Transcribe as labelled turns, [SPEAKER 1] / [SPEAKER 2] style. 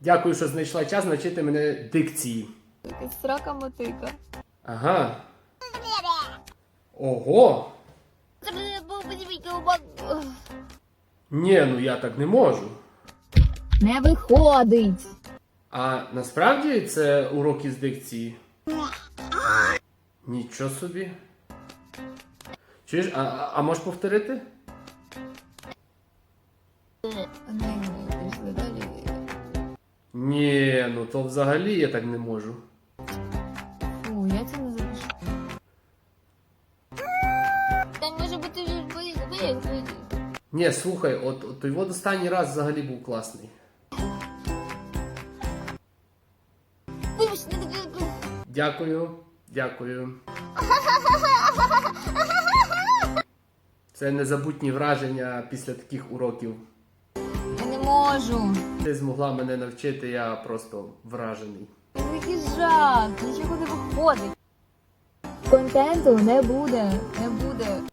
[SPEAKER 1] Дякую, що знайшла час навчити мене дикції.
[SPEAKER 2] Якась срака мотика.
[SPEAKER 1] Ага. Ого! Ні, ну я так не можу.
[SPEAKER 2] Не виходить.
[SPEAKER 1] А насправді це урок із дикції? Нічого собі. Чуєш, а можеш повторити?
[SPEAKER 2] Пішли далі.
[SPEAKER 1] Ні, ну то взагалі я так не можу.
[SPEAKER 2] Фу, я це не запишу. Там може бути виїзд.
[SPEAKER 1] Ні, слухай, от той от останній раз взагалі був класний. Дякую, дякую. Це незабутні враження після таких уроків.
[SPEAKER 2] Я не можу.
[SPEAKER 1] Ти змогла мене навчити, я просто вражений.
[SPEAKER 2] Який жах, нічого не виходить. Контенту не буде, не буде.